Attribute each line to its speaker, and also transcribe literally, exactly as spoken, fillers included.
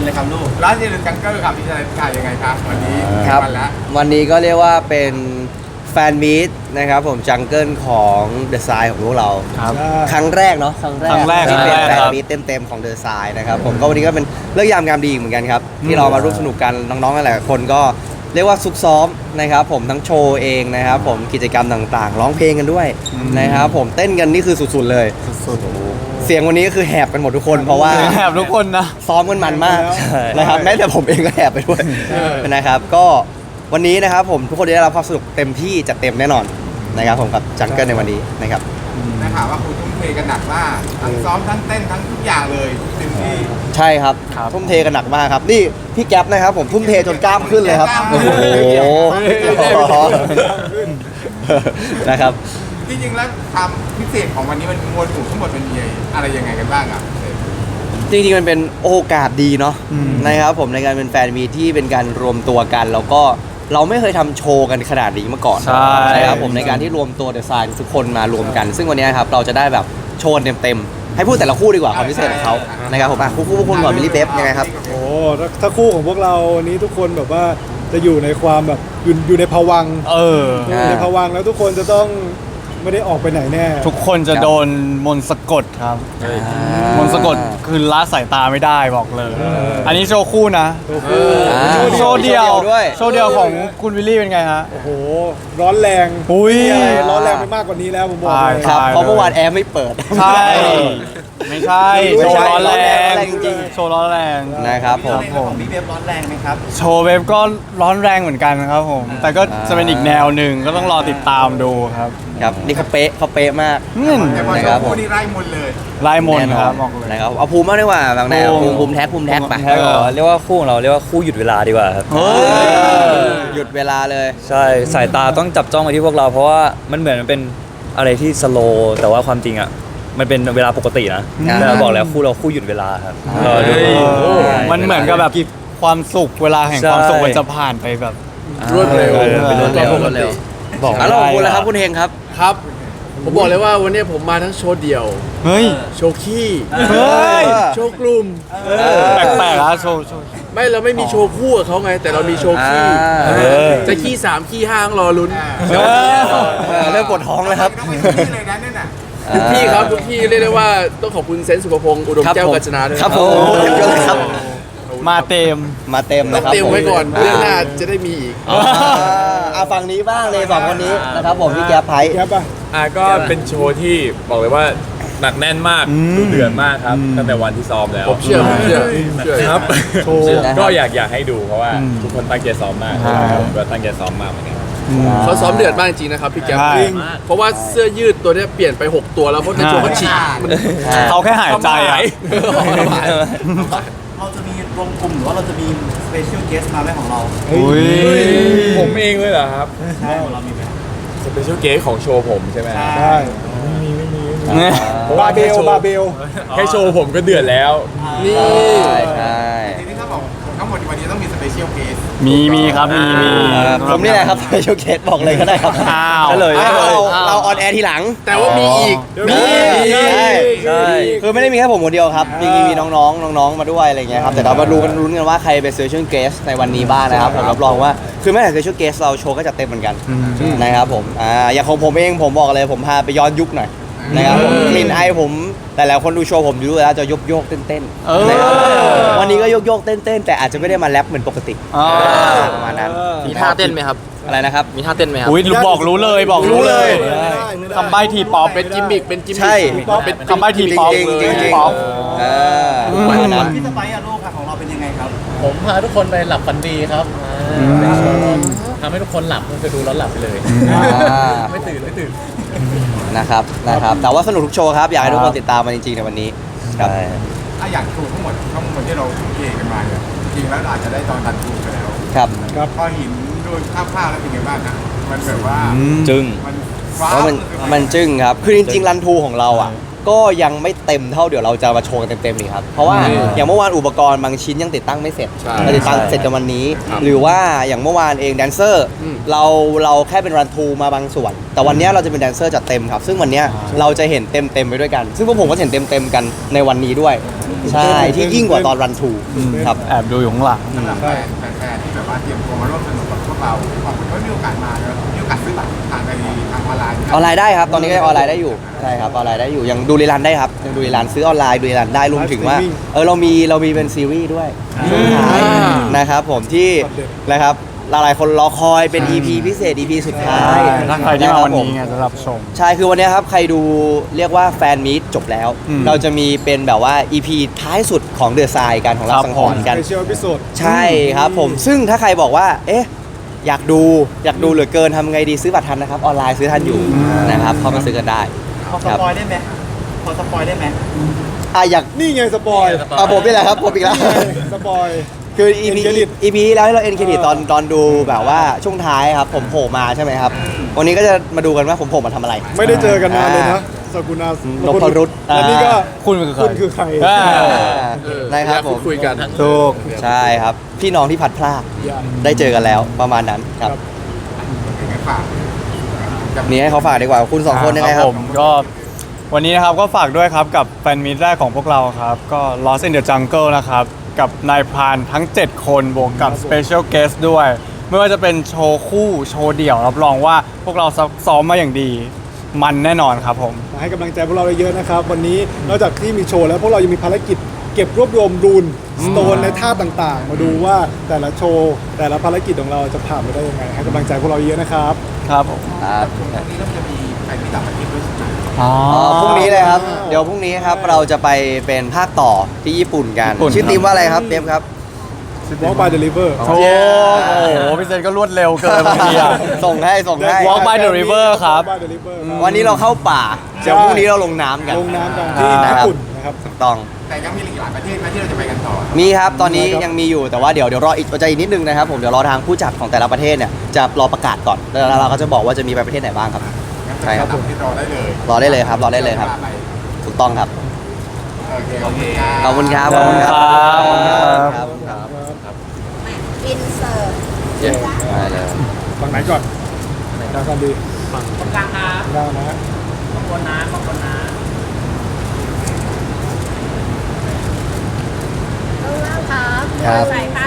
Speaker 1: เลยครับลูก
Speaker 2: ร้านเจริญจังเกิลครับพี่ชายถ่ายยังไงครับวันนี้
Speaker 3: ครับ
Speaker 2: วันละ
Speaker 3: วันนี้ก็เรียกว่าเป็นแฟนมีตนะครับผมจังเกิลของเดอะไซน์ของพวกเรา
Speaker 4: ครับ
Speaker 3: ครั้งแรกเนาะครั้งแรก
Speaker 4: ครั้งแรก
Speaker 3: ที่เป็น
Speaker 4: ครั้งแรก
Speaker 3: แฟน
Speaker 4: ครับ
Speaker 3: มีตเต็มๆของเดอะไซน์นะครับผมก็วันนี้ก็เป็นเรื่องยามงามดีอีกเหมือนกันครับที่เรามาร่วมสนุกกันน้องๆหลายๆคนก็เรียกว่าซุกซ้อมนะครับผมทั้งโชว์เองนะครับผมกิจกรรมต่างๆ ร้องเพลงกันด้วยนะครับผมเต้นกันนี่คือสุดๆเลย
Speaker 4: สุด
Speaker 3: เสียงวันนี้ก็คือแหบกันหมดทุกคนเพราะว่า
Speaker 4: แหบทุกคนนะ
Speaker 3: ซ้อมกันมันมากนะครับแม้แต่ผมเองก็แอบไปด้วยนะครับก็วันนี้นะครับผมทุกคนได้รับความสนุกเต็มที่จัดเต็มแน่นอนนะครับผมกับจังเกิลในวันนี้นะครับ
Speaker 2: ได้ข่าวว่าคุณทุ่มเทกันหนักมากทั้งซ้อมทั้งเต้นทั้งทุกอย่างเลยเต็มที่
Speaker 3: ใช่ครับทุ่มเทกันหนักมากครับนี่พี่แก๊ปนะครับผมทุ่มเทจนกล้ามขึ้นเลยครับโอ้โหนะครับ
Speaker 2: จริงๆแล้วความพิเศษของวันนี้มันมวลหมู่ทั้งหมดมันมีอะไรยังไงกันบ้างอ่ะ
Speaker 3: จริงๆมันเป็นโอกาสดีเนาะนะครับผมในการเป็นแฟนมีที่เป็นการรวมตัวกันแล้วก็เราไม่เคยทำโชว์กันขนาดนี้มาก่อน
Speaker 4: ใช่
Speaker 3: ครับผมในการที่รวมตัวเดอะไซน์ทุกคนมารวมกัน ซึ่งวันนี้ครับเราจะได้แบบโชว์เต็มๆให้พูดแต่ละคู่ดีกว่าความพิเศษของเขานะครับผมอ่ะคู่คู่คู่ก่อนมิลลี่เบฟยังไงครับ
Speaker 5: โอ้ถ้าถ้าคู่ของพวกเราวันนี้ทุกคนแบบว่าจะอยู่ในความแบบอยู่อยู่ในภวังค์
Speaker 4: เออ
Speaker 5: อยู่ในภวังค์แล้วทุกคนจะต้องไม่ได้ออกไปไหนแน่
Speaker 4: ทุกคนจะโดนมนต์สะกดครับ มนต์สะกดคือละสายตาไม่ได้บอกเลย อันนี้โชว์คู่นะ
Speaker 5: ตัวคู่
Speaker 3: อ่า
Speaker 4: โชว์เดียว
Speaker 3: โชว์เดี่ยวด้วย
Speaker 4: โชว์เดียวของคุณวิลลี่เป็นไงฮะ
Speaker 5: โอ้โหร้อนแรง
Speaker 4: อุ้ย
Speaker 5: มีอะไรร้อนแรงไปมากกว่านี้แล้วผมบอกเลย
Speaker 4: ใช่
Speaker 3: ครับเพราะเมื่อวานแอร์ไม่เปิด
Speaker 4: ใช่ ไม่ใช่
Speaker 3: ไม่
Speaker 4: โช
Speaker 3: ใช่
Speaker 4: ว์ร้อนแรง
Speaker 3: ร้อนแรงจริง
Speaker 4: โชว์ร้อนแรง
Speaker 3: นะครับผม
Speaker 1: ของพี่เบฟร้อนแรงไหมครับ
Speaker 4: โชว์เว็บก็ร้อนแรงเหมือนกันครับผม แต่ก็จะเป็นอีกแนวหนึ่งก็ต้องรอติดตามดูครับ
Speaker 3: ครับนี่เขาเป๊ะเขาเป๊ะมาก
Speaker 4: อืม
Speaker 2: แต่พอ
Speaker 3: นะ
Speaker 2: โช
Speaker 3: ครับ
Speaker 2: ว์คู่นี่ไล่มนต์เลย
Speaker 4: ลายมนต์
Speaker 3: แน่น
Speaker 4: ค
Speaker 3: อ
Speaker 4: รั
Speaker 3: น
Speaker 4: บบอกเลย
Speaker 3: นะครับเอาภูมิมากดีกว่าบางแนว
Speaker 4: ภู
Speaker 3: ภู
Speaker 4: มิ
Speaker 3: มิภูมิแท็กภูมิแท็กไป
Speaker 4: แท็กเหรอ
Speaker 6: เรียกว่าคู่ของเราเรียกว่าคู่หยุดเวลาดีกว่าครับ
Speaker 4: เฮ้ย
Speaker 3: หยุดเวลาเลย
Speaker 6: ใช่สายตาต้องจับจ้องไปที่พวกเราเพราะว่ามันเหมือนมันเป็นอะไรที่สโลว์แต่ว่าความจริงอ่ะมันเป็นเวลาปกตินะ
Speaker 3: อ่า
Speaker 6: แต่เราบอกแล้วคู่เราคู่หยุดเวลาครับรอดู
Speaker 4: เฮ้ยมันเหมือนกับแบบความสุขเวลาแห่งความสุข
Speaker 6: ใช่
Speaker 4: มันจะผ่านไปแบบ
Speaker 6: รวดเร็ว
Speaker 3: เป็นรถเร็วรถเร็ว
Speaker 4: บอก
Speaker 3: แล้วเราคุณแล้วครับคุณเฮงครับ
Speaker 7: ครับ ผมบอกเลยว่าวันนี้ผมมาทั้งโชว์เดี่ยว
Speaker 4: เฮ้ย
Speaker 7: โชว์ขี้
Speaker 4: เฮ้ย
Speaker 7: โชว์กลุ่ม
Speaker 4: แปลกๆนะโชว์โชว์
Speaker 7: ไม่เราไม่มีโชว์คู่กับเขาไง แต่เรามีโชว์ขี้
Speaker 3: อ่า
Speaker 7: เออจะขี้สามขี้ห้าต้องรอลุ้น
Speaker 4: เออ
Speaker 3: เออเริ่มปวดท้องแล้วครับ
Speaker 2: ต้องไปที่เลยนะเนี่ยน่ะ
Speaker 7: ทุกที่ครับทุกที่เรียกได้ว่าต้องขอบคุณเซนต์สุภพงศ์อุดมแก้วกัญจนาด้วย
Speaker 3: ครับผมเยอะเลยครับ
Speaker 4: มาเต็ม
Speaker 3: มาเต็ม
Speaker 7: ต้อ
Speaker 3: นะ
Speaker 7: ง
Speaker 3: ครับ
Speaker 7: เตรียมไว้ก่อนเรื่องหน้าจะได้มีอีก
Speaker 3: อ่าเอาฝั่งนี้บ้างเลยสองคนนี้นะครับผมพี่แก๊ปไพ
Speaker 5: แก๊ปอ่ะ
Speaker 8: อ่ะก็เป็นโชว์ที่บอกเลยว่าหนักแน่นมากดุเดือดมากครับตั้งแต่วันที่ซ้อมแล้ว
Speaker 7: ผมเชื่อผมเชื่อเชื่อ
Speaker 8: ครับ
Speaker 5: โชว์
Speaker 8: ก็อยากอยากให้ดูเพราะว่าทุกคนตั้งใจซ้อมมากผมก็ตั้งใจซ้อมมากเหมือนกัน
Speaker 7: เขาซ้อมเดือดมากจริงนะครับพี่แก๊ป
Speaker 4: ใช่
Speaker 7: เพราะว่าเสื้อยืดตัวเนี้ยเปลี่ยนไปหกตัวแล้วเพราะในโชว์เขาฉีกมัน
Speaker 4: เขาแค่หายใจอ่ะ
Speaker 1: เราจะมีรวมกลุ่มหรือว่าเราจะมีสเปเชียลเกสมาไหมของเรา
Speaker 4: อุ้ย
Speaker 8: ผมเองเลยเหรอครับ
Speaker 1: ใช่ของเรามีไหม
Speaker 8: สเปเชียลเกสของโชว์ผมใช่ไหม
Speaker 5: ใช่บาเบลบาเบล
Speaker 8: แค่โชว์ผมก็เดือดแล้ว
Speaker 7: นี่
Speaker 3: ใช่ใช่
Speaker 2: ทีนี้ถ้าบอกทั้งหมดในวันนี้ต้องมีสเปเชียลเคส
Speaker 4: มีมีครับมีมี
Speaker 3: ผมนี่แหละครับสเปเชียลเคสบอกเลยก็ได้ครับ
Speaker 4: อ้าว
Speaker 3: ก็เลยเราเราออนแอร์ทีหลัง
Speaker 7: แต่ว่ามีอีก
Speaker 3: มี
Speaker 7: มี
Speaker 3: ใช่
Speaker 6: ใช่
Speaker 3: คือไม่ได้มีแค่ผมคนเดียวครับมีมีน้องๆน้องๆมาด้วยอะไรเงี้ยครับแต่เรามาดูกันลุ้นกันว่าใครเป็น special guest ในวันนี้บ้างนะครับผมรับรองว่าคือแม้แต่ special guest เราโชว์ก็จะเต็มเหมือนกันนะครับผมอ่าอย่างของผมเองผมบอกเลยผมพาไปย้อนยุคหน่อยนะครับผมกลิ่นไอผมแต่แล้วคนดูโชว์ผมดูแล้วจะยกโยกๆเต้น
Speaker 4: เออ
Speaker 3: ๆนะครับวันนี้ก็ยกโยกๆเต้นๆแต่อาจจะไม่ได้มาแรปเหมือนปกติ
Speaker 4: อ่า
Speaker 3: ประมาณนั้น
Speaker 7: มีท่าเต้นไหมครับ
Speaker 3: อะไรนะครับ
Speaker 7: มีท่าเต้นไหมครับ
Speaker 4: อุ้ยรู้บอกรู้เลยบอกรู้เลย
Speaker 5: ไม่ได้ไม่ได้
Speaker 4: คำใบ้ทีป๊อป
Speaker 7: เป็นกิมมิกเป็นกิมมิก
Speaker 3: ใช่
Speaker 7: เป็น
Speaker 4: คำใบ้ทีป๊อป
Speaker 3: จริงๆจริงๆจริง
Speaker 4: ป๊อป
Speaker 3: ๆเออประมาณนั้น
Speaker 1: พี่สไปซ์อะลูกค่ะของเราเป็นยังไงครับ
Speaker 9: ผมพาทุกคนไปหลับฝันดีครับเป็นโชว์ทำให้ทุกคนหลับก็คือดูแล้วหลับไปเลย
Speaker 3: อ่า
Speaker 9: ไม่ตื่นไม่ตื่น
Speaker 3: นะครับนะครับแต่ว่าสนุกทุกโชว์ครับอยากให้ทุกคนติดตามมันจริงๆในวันนี้ครับ
Speaker 2: ถ้าอยากโชว์ทั้งหมดทั้งหมดที่เราทุ่มเทกันมาเนี่ยจริงแล้วอาจจะได้ตอนตัดทูไปแล้ว
Speaker 3: ครับ
Speaker 2: พอเห็นโดยคร่าวๆแล้วเป็นไงบ้างนะมันแบบว่า
Speaker 6: จึง
Speaker 2: มันฟ้า
Speaker 3: เพราะมันมันจึ้งครับคือจริงๆรันทูของเราอ่ะก็ยังไม่เต็มเท่าเดี๋ยวเราจะมาโชว์กันเต็มๆนี่ครับเพราะว่าอย่างเมื่อวานอุปกรณ์บางชิ้นยังติดตั้งไม่เสร็จ
Speaker 7: ใช่
Speaker 3: เราติดตั้งเสร็จกันวันนี้ หรือว่าอย่างเมื่อวานเองแดนเซอร์
Speaker 7: อืม
Speaker 3: เราเราแค่เป็นรันทูมาบางส่วน แต่วันนี้เราจะเป็นแดนเซอร์จัดเต็มครับซึ่งวันนี้เราจะเห็นเต็มเต็มๆไปด้วยกัน ซึ่งพวกผมก็เห็นเต็มเต็มๆกันในวันนี้ด้วยใช่ที่ยิ่งกว่าตอนรันทูครับ
Speaker 4: แอบดูอยู่ข้างหลัง
Speaker 2: สำหรับแฟนแฟนๆที่แบบว่าเตรียมตัวมาร่วมสนุกกับพวกเราขอบคุณที่มีโอกาสมาเนอะมีโอกาสซื้อบัตรผ่านในทางออนไลน์
Speaker 3: ออนไลน์ได้ครับ ตอนนี้ก็ยังออนไลน์ได้อยู่ใช่ครับออนไลน์ได้อยู่ยังดูรีลันได้ครับยังดูรีลันซื้อออนไลน์ดูรีลันได้รวมถึงว่าเออเรามีเรามีเป็นซีรีส์ด้วยช่วงท้ายนะครับผมที่นะครับหลายๆคนรอคอยเป็น อี พี พิเศษ อี พี สุดท้าย
Speaker 4: ถ้าใครที่มาวันนี้
Speaker 3: ะ
Speaker 4: ไง
Speaker 3: ครับผ
Speaker 4: จะรับชม
Speaker 3: ใช่คือวันนี้ครับใครดูเรียกว่าแฟนมีตจบแล้ว
Speaker 4: อืม
Speaker 3: เราจะมีเป็นแบบว่า อี พี ท้ายสุดของเดือดทรายกันของรับ
Speaker 4: ครับ
Speaker 3: สังหรณ์กัน
Speaker 5: สเปเชียลพิโซด
Speaker 3: ใช่ครับผมซึ่งถ้าใครบอกว่าเอ๊ะอยากดูอยากดูเหลือเกินทำไงดีซื้อบัตรทันนะครับออนไลน์ซื้อทันอยู่นะครับเข้ามาซื้อกันได้
Speaker 1: พอสปอยได้ไหมพอสปอยได้ไหม
Speaker 3: อ่ะอยาก
Speaker 5: นี่ไงสปอย
Speaker 3: อ่ะผมนี่แหละครับผมอีกแล้ว
Speaker 5: สปอย
Speaker 3: คือ อี พี
Speaker 5: End credit
Speaker 3: อี พีแล้วที่เราเอ็นเครดิตตอนตอนดูแบบว่าช่วงท้ายครับผมโผล่มาใช่ไหมครับ วันนี้ก็จะมาดูกันว่าผมโผล่มาทำอะไร
Speaker 5: ไม่ได้เจอกันนานเลยนะสกุณาน
Speaker 3: พรุต
Speaker 5: และนี่ก็
Speaker 4: คุณคือใคร
Speaker 5: คุณคือใคร
Speaker 4: อ่า
Speaker 7: เออ
Speaker 3: นะครับผม
Speaker 7: คุยกัน
Speaker 3: ถูกใช่ครับ พี่น้องที่พัดพลาก
Speaker 5: อย่า
Speaker 3: ได้เจอกันแล้วประมาณนั้นครับ
Speaker 5: ครับ
Speaker 2: ยังไงฝาก
Speaker 3: นี่ให้เขาฝากดีกว่าคุณสองคนยังไงครับ
Speaker 4: ผมก็วันนี้นะครับก็ฝากด้วยครับกับแฟนมีตแรกของพวกเราครับ ก็ Lost in the Jungle นะครับ กับนายพรานทั้ง เจ็ด คนบวกกับ Special Guest ด้วย ไม่ว่าจะเป็นโชว์คู่โชว์เดี่ยว รับรองว่าพวกเราซ้อมมาอย่างดี มันแน่นอนครับผม
Speaker 5: มาให้กำลังใจพวกเราเยอะๆนะครับ วันนี้นอกจากที่มีโชว์แล้วพวกเรายังมีภารกิจเก็บรวบรวมรูนสโตนในท่าต่างๆ มาดูว่าแต่ละโชว์แต่ละภารกิจของเราจะผ่านไปได้ยังไงให้กำลังใจพวกเราเยอะนะครับ
Speaker 4: ครับผม
Speaker 3: ครับ
Speaker 2: ตรงนี้เราจะมีใครที่ต่างประเทศด้วยใช่ไหม
Speaker 4: อ๋อ
Speaker 3: อ๋อพรุ่งนี้เลยครับ เดี๋ยวพรุ่งนี้ครับเราจะไปเป็นภาคต่อที่ญี่ปุ่นกัน
Speaker 4: ญี่ปุ่น
Speaker 3: ชื่อทีมว่าอะไรครับเดฟครับ
Speaker 5: Walk by Deliver
Speaker 4: โอ้โหพี่เซนก็รวดเร็วเกินบางทีอะ
Speaker 3: ส่งให้ส่งให้
Speaker 4: Walk by the river ครับ
Speaker 5: Walk by the river ครับ
Speaker 3: วันนี้เราเข้าป่า เดี๋ยวพรุ่งนี้เราลงน้ำกัน
Speaker 5: ลงน้ำกันที่
Speaker 3: นะ
Speaker 5: ญี่
Speaker 3: ครับ
Speaker 5: ปุ่นนะครับ
Speaker 3: ถูกต้อง
Speaker 2: แต่ยังมีอีกหลายประเทศไหมที่เราจะไปกันต่อ
Speaker 3: มีครับ ตอนนี้
Speaker 5: มีครับ
Speaker 3: ยังมีอยู่แต่ว่าเดี๋ยวเดี๋ยวรออีกใจอีกนิดนึงนะครับผมเดี๋ยวรอทางผู้จัดของแต่ละประเทศเนี่ยจะรอประกาศก่อนแล้วเราก็จะบอกว่าจะมีไปประเทศไหนบ้างครับ
Speaker 2: งั้น
Speaker 3: ใช่ครับ
Speaker 2: ต่างประเทศรอได้เลย
Speaker 3: รอได้เลยครับรอได้เลยครับ
Speaker 2: ไป
Speaker 3: ถูกต้องครับ
Speaker 2: โอเคโอเค
Speaker 3: ขอบคุณครับขอบคุณครับขอบคุณครับขอบคุณครับ
Speaker 10: อินเสิร์ต
Speaker 3: ได้เลย
Speaker 5: ฝั่งไหนก่อนดาวกันดี
Speaker 9: ตรงกลางครับ
Speaker 5: ดาวนะฮะ
Speaker 9: ข้างบนนะข้างบนนะ
Speaker 10: ข้างล่างครับ
Speaker 3: ครับ
Speaker 10: ใส่ค่ะ